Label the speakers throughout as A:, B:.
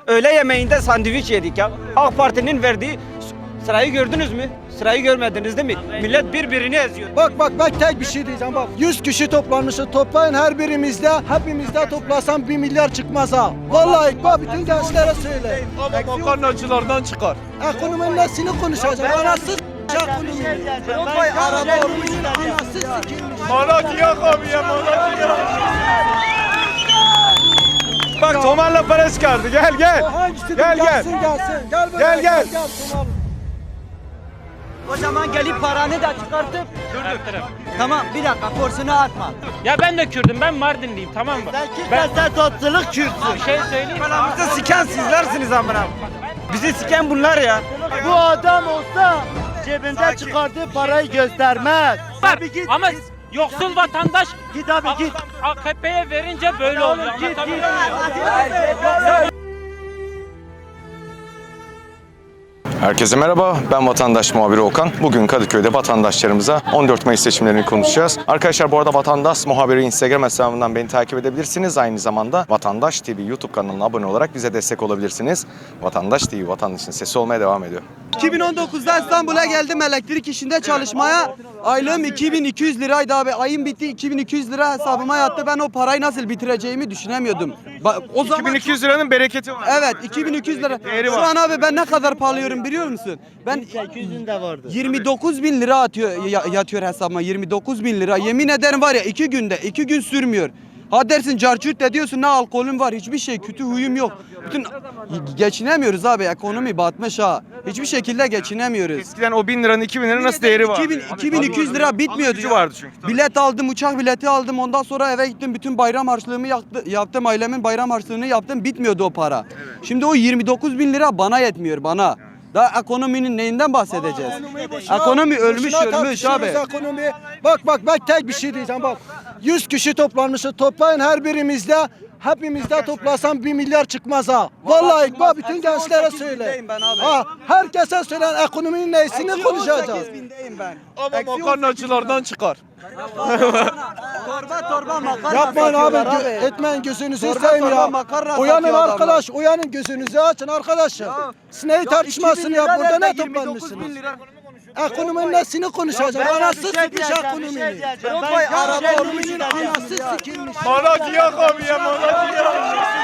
A: Öğle yemeğinde sandviç yedik ya. AK Parti'nin verdiği sırayı gördünüz mü? Sırayı görmediniz değil mi? Millet birbirini eziyor.
B: Bak ben tek bir şey diyeceğim bak. 100 kişi toplanmışız. Toplayın her birimizde. Hepimizde toplasam 1 milyar çıkmaz ha. Vallahi bak bütün gençlere söyle.
C: Ama makarnacılardan çıkar.
B: Ekonominin nesini konuşacak? Anası ekonomi. Vay araba olmuş. Anası sikilmiş.
C: Malatya abi ya Malatya. Bak Tomar'la para çıkardı. Gel.
B: Hangisi?
C: Gel.
B: Gelsin. Gel buraya.
C: Gel.
B: Tomar.
D: O zaman gelip paranı da çıkartıp tamam bir dakika forsunu atma.
E: Ya ben de Kürdüm, ben Mardinliyim, tamam mı?
D: Sen totluluk Kürtsün.
E: Bir şey söyleyeyim.
A: Bizi siken sizlersiniz amına. Bizi siken bunlar ya.
D: Bu adam olsa cebinde çıkardığı parayı göstermez.
E: Var. Ama yoksul vatandaş
D: Git abi git.
E: AKP'ye verince böyle oluyor.
D: Git.
C: Herkese merhaba, ben vatandaş muhabiri Okan. Bugün Kadıköy'de vatandaşlarımıza 14 Mayıs seçimlerini konuşacağız. Arkadaşlar bu arada Vatandaş Muhabiri Instagram hesabından beni takip edebilirsiniz. Aynı zamanda Vatandaş TV YouTube kanalına abone olarak bize destek olabilirsiniz. Vatandaş TV, vatandaşın sesi olmaya devam ediyor.
B: 2019'da İstanbul'a geldim elektrik işinde çalışmaya. Aylığım 2200 liraydı abi. Ayım bitti 2200 lira hesabıma yattı. Ben o parayı nasıl bitireceğimi düşünemiyordum. O zaman
C: 2200 liranın bereketi var.
B: Evet 2200 lira.
C: Değeri
B: Şu
C: var.
B: an abi ben ne kadar pahalıyorum biliyor musun? Ben
D: 800'ün de vardı.
B: 29 bin lira yatıyor hesabıma 29 bin lira. Yemin ederim var ya 2 gün sürmüyor. Ha dersin carçurt de diyorsun ne alkolüm var hiçbir şey kötü huyum yok. Bütün geçinemiyoruz abi ekonomi batmış ha. Hiçbir şekilde geçinemiyoruz.
C: Eskiden o 1000 liranın 2000 liranın nasıl değeri var?
B: 2200 lira bitmiyordu
C: Gücü
B: ya.
C: vardı çünkü. Tabii.
B: Bilet aldım, uçak bileti aldım. Ondan sonra eve gittim. Bütün bayram harçlığımı yaptım. Ailemin bayram harçlığını yaptım. Bitmiyordu o para. Şimdi o 29 bin lira bana yetmiyor bana. Daha ekonominin neyinden bahsedeceğiz? Ekonomi ölmüş abi. Ekonomi. Bak ben tek bir şey diyeceğim bak. 100 kişi toplanmışız. Toplayın her birimizde. Hepimizde toplasam 1 milyar çıkmaz ha. Vallahi bak bütün gençlere söyle. Ha, herkese söylen ekonominin neyini konuşacağız.
C: Ama makarnacılardan çıkar.
D: Torba makarna
B: Yapmayın
D: satıyorlar
B: abi, etmeyin gözünüzü seveyim ya. Uyanın arkadaş, uyanın gözünüzü açın arkadaşlar. Sineği tartışmasını yap burada ne toplanmışsınız? Ekonominin nesini konuşacağız? Anası sikmiş ekonominin. Vay araba olmuş, anası sikilmiş.
C: Malatya abi ya Malatya.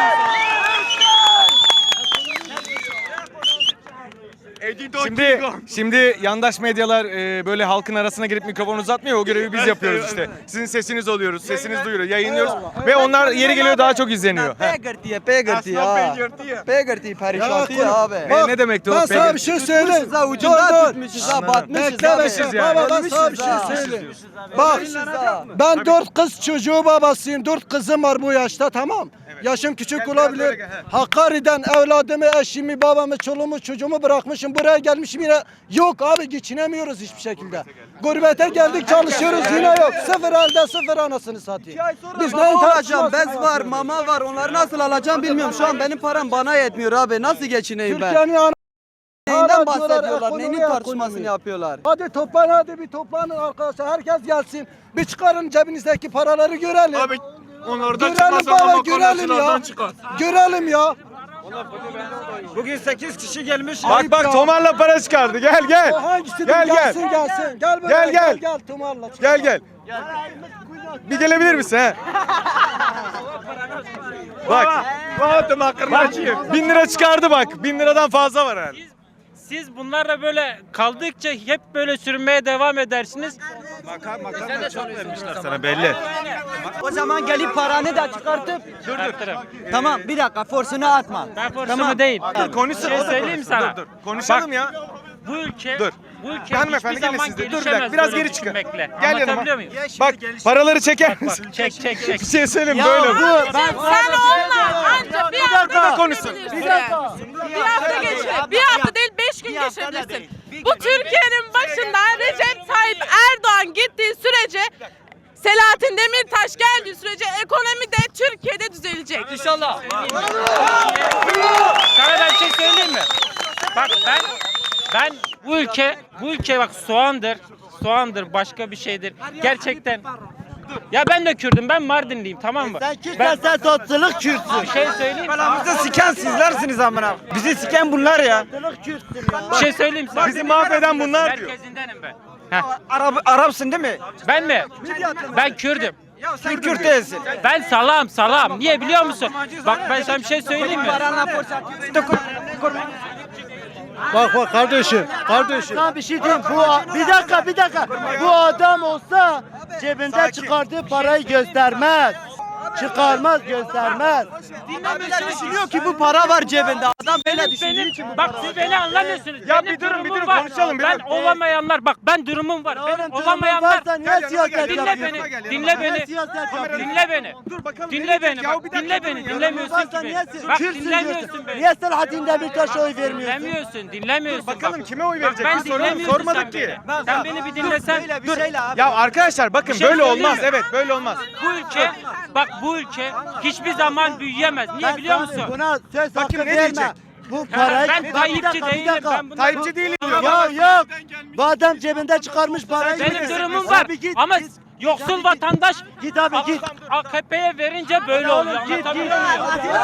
C: Şimdi yandaş medyalar böyle halkın arasına girip mikrofon uzatmıyor. O görevi biz yapıyoruz işte. Sizin sesiniz oluyoruz, sesiniz duyuruyor, yayınlıyoruz ve onlar yeri geliyor daha çok izleniyor.
B: Pegırtı ya. Pegırtı perişanti ya abi.
C: Ne demekti o?
B: Ben sana bir şey söyleyeyim. Ucunda tutmuşuz ha batmışız
C: Beklemişiz yani.
B: Baba ben sana bir şey söyleyeyim. Bak ben 4 kız çocuğu babasıyım. 4 kızım var bu yaşta tamam. Yaşım küçük olabilir. Hakkari'den evladımı, eşimi, babamı, çoluğumu, çocuğumu bırakmışım. Buraya gelmişim yine yok abi geçinemiyoruz hiçbir şekilde. Gurbete geldik çalışıyoruz yine yok. Sıfır elde sıfır anasını satayım. Biz ne alacağım? Bez var, mama var. Onları nasıl alacağım bilmiyorum. Şu an benim param bana yetmiyor abi. Nasıl geçineyim ben? Türkiye'nin neyinden bahsediyorlar? Neyin tartışmasını yapıyorlar? Hadi toplan hadi bir toplanın arkadaşlar. Herkes gelsin. Bir çıkarın cebinizdeki paraları görelim.
C: Abi onlardan
B: Görelim
C: çıkmaz ama
B: baba görelim ya.
C: makarnacılardan çıkar.
B: Görelim ya.
A: Bugün 8 kişi gelmiş.
C: Bak Tomar'la para çıkardı. Gel.
B: O hangisi?
C: Gel.
B: Gelsin. Gel buraya.
C: Gel.
B: Gel Tumarla.
C: Gel. Bir gelebilir misin he? Bak makarnacıyım. 1000 lira çıkardı bak. 1000 liradan fazla var herhalde.
E: Siz bunlarla böyle kaldıkça hep böyle sürünmeye devam edersiniz.
C: Makarna çok vermişler sana belli.
D: O zaman gelip paranı da çıkartıp tamam bir dakika forsunu atma.
E: Ben forsumu değil.
C: Konuşsun.
E: Bir şey söyleyeyim sana.
C: Dur. Konuşalım
E: Bak,
C: ya.
E: Bu ülke
C: Dur.
E: hiçbir
C: gelin
E: zaman
C: siz de. Dur bir
E: gelişemez
C: dakika. Biraz
E: böyle
C: geri çıkın.
E: düşünmekle.
C: Gel yanıma.
E: Anlatabiliyor muyum?
C: Bak paraları çeker misin?
E: Çek.
C: Bir şey söyleyeyim böyle.
F: Sen onunla anca bir hafta
C: konuşsun.
F: geçirebilirsin. Bir hafta geçir. Bir hafta değil 5 gün geçirebilirsin. Bu Türkiye'nin başında Recep Tayyip Erdoğan gittiği sürece Selahattin Demirtaş geldiği sürece ekonomi de Türkiye'de düzelecek.
E: İnşallah. Sana ben bir şey söyleyeyim mi? Bak ben bu ülke bak soğandır başka bir şeydir. Gerçekten Ya ben de Kürdüm. Ben Mardinliyim, tamam mı?
D: Sen Kürtsen sen sosyalılık Kürtsün.
E: Bir şey söyleyeyim.
A: Belamızı siken sizlersiniz amına. Bizi siken bunlar ya.
D: Sosyalılık Kürtsün ya.
E: Bir şey söyleyeyim sana.
C: Bizi mahveden bunlar diyor.
E: Merkezindenim ben. Heh.
A: Arapsın değil mi?
E: Ben mi? Ben Kürdüm.
A: Ya sen Kürt değilsin.
E: Ben salam. Niye biliyor musun? Bak ben sana bir şey söyleyeyim mi?
B: Bak kardeşim.
D: Sana bir şey diyeyim. Bir dakika. Bu adam olsa cebinde çıkardığı parayı göstermez. Çıkarmaz, göstermez. Dinlemeler düşünüyor ki bu para var cebinde. Adam böyle düşünüyor ki bu
E: Bak siz beni anlamıyorsunuz.
C: Ya
E: Benim
C: bir durun,
E: durumum
C: bir durun,
E: var.
C: konuşalım, bir
E: Ben
C: durun.
E: olamayanlar, bak ben durumum var. Benim
D: Oğlum,
E: olamayanlar.
D: varsa niye siyaset
E: Dinle
D: yapıyorsun?
E: beni. Dinle beni. Dinle beni.
C: Dur bakalım.
E: Dinle beni. Bak dinle beni. Dinlemiyorsun ki
D: Varsa
E: beni.
D: niye
E: Bak
D: Kürtsün
E: dinlemiyorsun
D: diyorsun?
E: beni.
D: Niye Selahattin Demirtaş'a oy vermiyorsun?
E: Dinlemiyorsun.
C: Bakalım
E: Bak.
C: kime oy
E: Bak
C: verecek?
E: ben
C: Biz soralım,
E: dinlemiyorsun
C: sormadık
E: sen
C: ki.
E: beni. Sen beni bir dinlesen.
D: Dur.
C: Ya arkadaşlar bakın
E: Bir şey
C: böyle
E: söyleyeyim
C: olmaz.
E: mi?
C: Evet böyle olmaz.
E: Bu ülke hiçbir zaman büyüyemez. Niye biliyor musun?
D: Buna söz hakkı
C: Bakayım ne
D: verme.
C: diyecek?
D: Bu parayı...
E: Ben
D: Bir
E: Tayyipçi
D: dakika,
E: değilim. Ben bunu
C: Tayyipçi değilim diyor.
D: Yok. Bu adam cebinde çıkarmış parayı.
E: Benim durumum var.
D: Abi git,
E: Ama
D: git.
E: yoksul
D: Git.
E: vatandaş
D: Git abi git.
E: AKP'ye verince böyle oluyor. Anlatabiliyor muyum?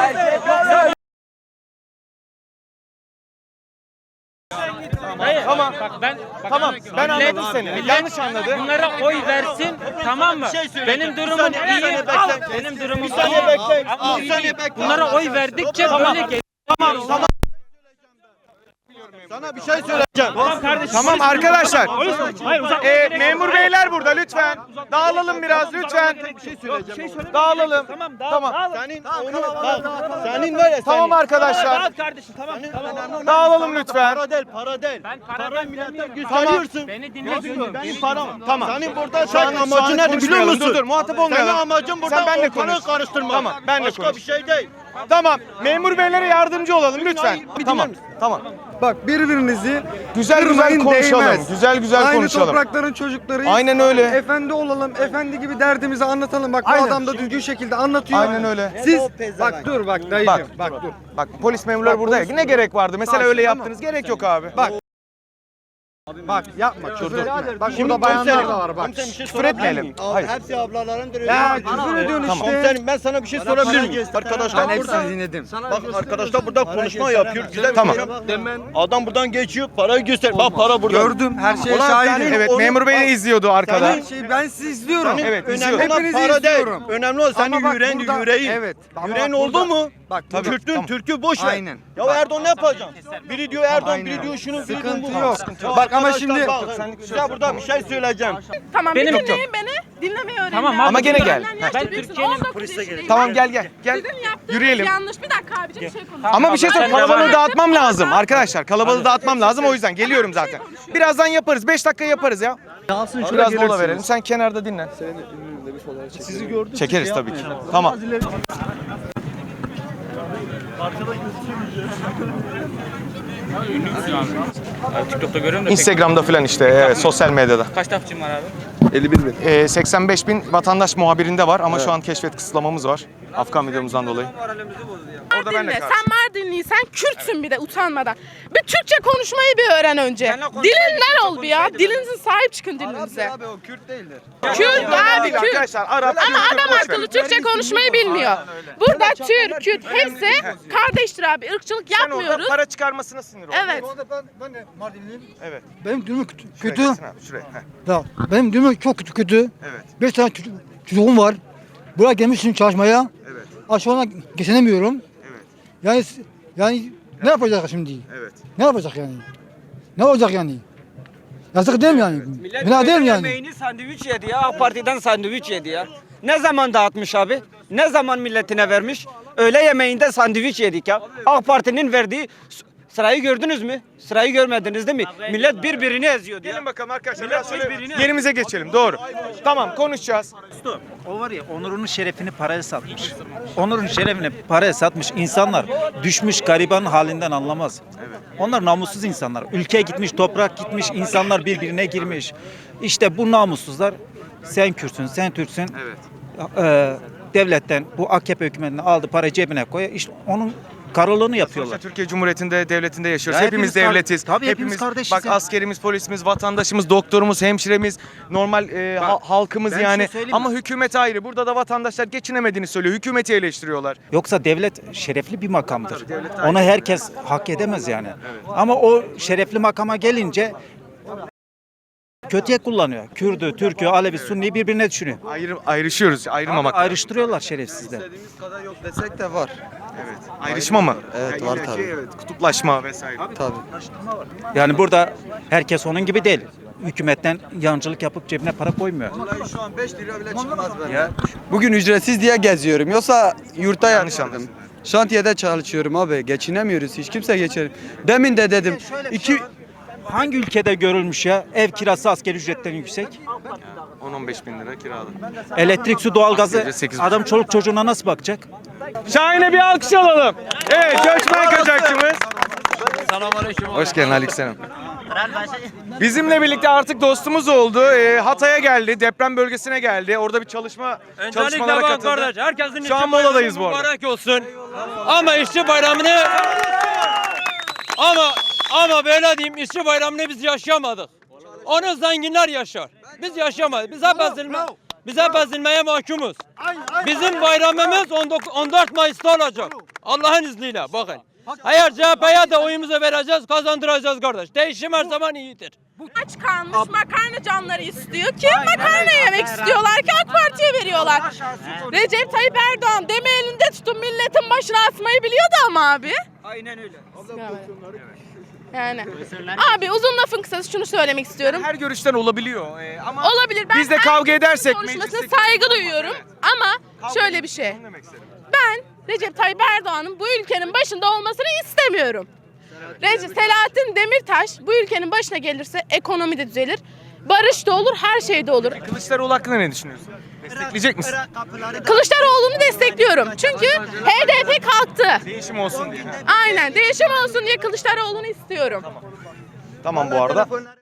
E: Hayır,
C: Tamam.
E: Bak ben
C: Tamam, ben
E: millet-
C: anladım seni.
E: millet
C: Yanlış anladı.
E: Bunlara oy versin, tamam mı? Benim durumum iyi. Al, benim durumum iyi. Ama iyi. Bunlara oy verdikçe böyle geliyor.
B: Sana bir şey söyleyeceğim.
C: Tamam arkadaşlar. Memur beyler burada lütfen. Dağılalım biraz lütfen. Dağılalım. Tamam.
B: Senin var ya
C: Tamam arkadaşlar. Dağılalım lütfen.
B: Para değil.
E: Ben para
B: Gösteriyorsun.
E: Beni dinle.
B: Benim param.
C: Tamam.
B: Senin burada şu an amacın nedir biliyor
C: konuşmayalım.
B: musun?
C: Dur muhatap olmayalım.
B: Senin amacın burada
C: Sen benle
B: ortalığı
C: konuş.
B: karıştırmak.
C: Tamam benle
B: Başka
C: konuş.
B: bir şey değil.
C: Tamam. Memur beylere yardımcı olalım lütfen. Tamam. Tamam.
G: Bak birbirinizi
C: Güzel
G: kırmayın,
C: konuşalım.
G: değmez.
C: Güzel
G: Aynı
C: konuşalım.
G: toprakların çocuklarıyız.
C: Aynen öyle.
G: Efendi olalım, efendi gibi derdimizi anlatalım. Bak
C: Aynen.
G: bu adam da düzgün şekilde anlatıyor.
C: Aynen öyle.
G: Siz bak dur bak dayıcım bak dur.
C: Bak polis memurları burada ya. Ne gerek vardı? Mesela
G: Bak,
C: öyle
G: tamam.
C: yaptınız. Gerek yok abi.
G: Bak yapma küfür etme. Bak
B: Şimdi
G: burada bayanlar da var bak.
B: Komiserim, bir şey
C: Küfür
B: sorabilir
C: etmeyelim.
B: miyim?
C: Hayır.
B: Hepsi ablalarındır.
G: Ya küfür ediyorsun
C: Tamam.
G: işte.
B: Komiserim ben sana bir şey sorabilir miyim? Arkadaşlar
G: Ben
B: burada.
G: hepsini dinledim.
B: Bak arkadaşlar burada konuşma yapıyor. Güzel
C: Tamam.
B: Adam buradan geçiyor, parayı göster. Bak para burada.
G: Gördüm her şeye
B: Ulan
G: şahidim.
B: senin
C: Evet
B: onu-
C: memur bey de izliyordu arkada.
G: Ben sizi izliyorum.
C: Evet,
B: Önemli
C: izliyorum.
B: olan
G: Hepinizi
B: para değil.
G: izliyorum.
B: Önemli olan senin
G: Ama bak
B: yüreğin,
G: burada-
B: yüreğin.
G: evet. Ama
B: Yüreğin
G: bak
B: oldu
G: burada-
B: mu?
G: Bak
C: Tabii.
B: Kürt'ün,
C: Tamam.
B: Türk'ü boş ver.
G: Aynen.
B: Ya Erdoğan ne yapacak? Biri diyor Erdoğan,
G: Aynen.
B: biri diyor şunu, biri diyor
G: Sıkıntı
B: bunu.
G: yok.
B: Ya
G: Bak ama
B: arkadaşlar
G: şimdi-
B: bak, size burada bir şey söyleyeceğim.
F: Tamam
E: Benim-
F: bir dinleyin beni. Dinlemeyi öğrenin.
E: Tamam,
F: ya.
E: ama
C: gene gel.
F: Benden
C: Ben
F: yaşça büyüksün,
E: Türkiye'nin
F: 19 yaşındayım.
C: Tamam
F: Ben-
C: gel. Gel.
F: Sizin yaptığınız
C: Yürüyelim.
F: yanlış. Bir dakika abicim bir şey konuşalım.
C: Ama bir şey
E: Sen
C: söyleyeyim.
E: devam
C: Kalabalığı
E: et.
C: dağıtmam lazım arkadaşlar. Kalabalığı dağıtmam lazım o yüzden. Geliyorum zaten. Birazdan yaparız. 5 dakika yaparız ya. Biraz mola verelim. Sen kenarda dinlen.
B: Sizi gördüm.
C: Çekeriz tabii ki. Tamam.
E: TikTok'ta görüyorum da
C: Instagram'da falan işte evet, sosyal medyada.
E: kaç takipçim var abi?
G: 51 bin.
C: 85 bin vatandaş muhabirinde var ama şu an keşfet kısıtlamamız var. Afgan videomuzdan dolayı. Orada ben de
F: Dinle.
C: karşıyım.
F: Sen Mardinliysen Kürtsün bir de utanmadan. Bir Türkçe konuşmayı bir öğren önce. Dilinden ol bir ya. Dilinize sahip çıkın dilinize.
B: Abi o Kürt değildir.
F: Kürt abi Kürt.
C: Arkadaşlar Arap,
F: Ama
C: Kürt,
F: adam
C: boş
F: akıllı
C: verin.
F: Türkçe konuşmayı bilmiyor. Burada Türk, Kürt hepsi kardeştir abi. Irkçılık
C: Sen orada
F: yapmıyoruz.
C: para çıkarmasına sinir oldun.
F: Evet.
B: Ben de Mardinliyim.
C: Evet.
B: Benim durumum
C: Şuraya geçsin abi, şuraya. Heh.
B: Ya, benim durumum çok kötü.
C: Evet.
B: 5 tane çocuğum var. Buraya gelmişim çalışmaya.
C: Evet.
B: Aşağıdan geçinemiyorum.
C: Evet.
B: Yani ne yapacak şimdi?
C: Evet.
B: Ne yapacak yani? Ne olacak yani? Yazık değil mi yani? Günah değil mi yani?
A: Yemeğini sandviç yedi ya. AK Parti'den sandviç yedi ya. Ne zaman dağıtmış abi? Ne zaman milletine vermiş? Öğle yemeğinde sandviç yedik ya. AK Parti'nin verdiği sırayı gördünüz mü? Sırayı görmediniz değil mi? Millet birbirini eziyordu ya.
C: Gelin bakalım arkadaşlar. Biraz şöyle yerimize geçelim. Doğru. Tamam konuşacağız.
H: O var ya onurunun şerefini paraya satmış. Onurun şerefini paraya satmış insanlar düşmüş garibanın halinden anlamaz. Onlar namussuz insanlar. Ülke gitmiş, toprak gitmiş, insanlar birbirine girmiş. İşte bu namussuzlar sen Kürtsün, sen Türksün.
C: Evet.
H: Devletten bu AKP hükümetinden aldı para cebine koyuyor. İşte onun karalığını yapıyorlar.
C: Sonuçta Türkiye Cumhuriyeti'nde, devletinde yaşıyoruz.
H: Ya
C: hepimiz
H: hepimiz
C: devletiz.
H: tabii hepimiz kardeşiz
C: Bak
H: ya.
C: askerimiz, polisimiz, vatandaşımız, doktorumuz, hemşiremiz, normal halkımız
H: ben
C: yani.
H: şunu söyleyeyim mi?
C: Ama hükümet ayrı. Burada da vatandaşlar geçinemediğini söylüyor. Hükümeti eleştiriyorlar.
H: Yoksa devlet şerefli bir makamdır. Onu herkes hak edemez yani. Ama o şerefli makama gelince kötüye kullanıyor. Kürdü, Türk'ü, Alevi, Sunni'yi birbirine düşünüyor.
C: Ayrışıyoruz. Ayrılmamak.
H: Ayrıştırıyorlar şerefsizler.
B: kadar yok desek de var.
C: Evet. Ayrışma mı?
B: Evet,
C: Ya
B: var
C: illaki
B: tabii.
C: Evet. Kutuplaşma vesaire.
B: Tabii.
H: Yani burada herkes onun gibi değil. Hükümetten yancılık yapıp cebine para koymuyor.
B: Şu an 5 lira bile çıkmaz
H: Ya.
I: Bugün ücretsiz diye geziyorum. Yoksa yurtta
C: Yanlış
I: yaşadım.
C: anladın.
I: Şantiyede çalışıyorum abi. Geçinemiyoruz. Hiç kimse geçer. Demin de dedim.
H: Hangi ülkede görülmüş ya ev kirası asgari ücretten yüksek?
C: 10-15 bin lira kiralı.
H: Elektrik, su, doğalgazı
C: Asgari 8,5.
H: adam çoluk çocuğuna nasıl bakacak?
C: Şahin'e bir alkış alalım. Evet, göçmen kaçakçımız. Hoş geldin Aleykümselam. Bizimle birlikte artık dostumuz oldu. Hatay'a geldi, deprem bölgesine geldi. Orada bir çalışmalara katıldı.
E: herkesin
C: Şu an moladayız bu arada.
E: mübarek olsun. Ama işçi bayramını ama böyle diyeyim, işçi bayramını biz yaşayamadık. Onu zenginler yaşar. Biz yaşamadık. Biz hep ezilmeye mahkumuz. Bizim bayramımız 14 Mayıs'ta olacak. Allah'ın izniyle bakın. Eğer CHP'ye de oyumuzu vereceğiz, kazandıracağız kardeş. Değişim her zaman iyidir.
F: Aç kalmış makarna canları istiyor ki makarna yemek istiyorlar ki AK Parti'ye veriyorlar. Recep Tayyip Erdoğan deme elinde tutun milletin başına asmayı biliyordu ama abi.
A: Aynen öyle.
F: Yani. Abi uzun lafın kısası şunu söylemek istiyorum.
C: Her görüşten olabiliyor. Ama
F: Olabilir. Ben
C: biz de kavga
F: herkesin
C: edersek
F: konuşmasına
C: mecliste-
F: saygı duyuyorum. Ama şöyle bir şey. Ben Recep Tayyip Erdoğan'ın bu ülkenin başında olmasını istemiyorum. Selahattin Demirtaş bu ülkenin başına gelirse ekonomi de düzelir. Barış da olur, her şey de olur.
C: Kılıçdaroğlu hakkında ne düşünüyorsun? Destekleyecek misin?
F: Kılıçdaroğlu'nu destekliyorum. Çünkü HDP kalktı.
C: Değişim olsun diye.
F: Aynen. Değişim olsun diye Kılıçdaroğlu'nu istiyorum.
C: Tamam bu arada.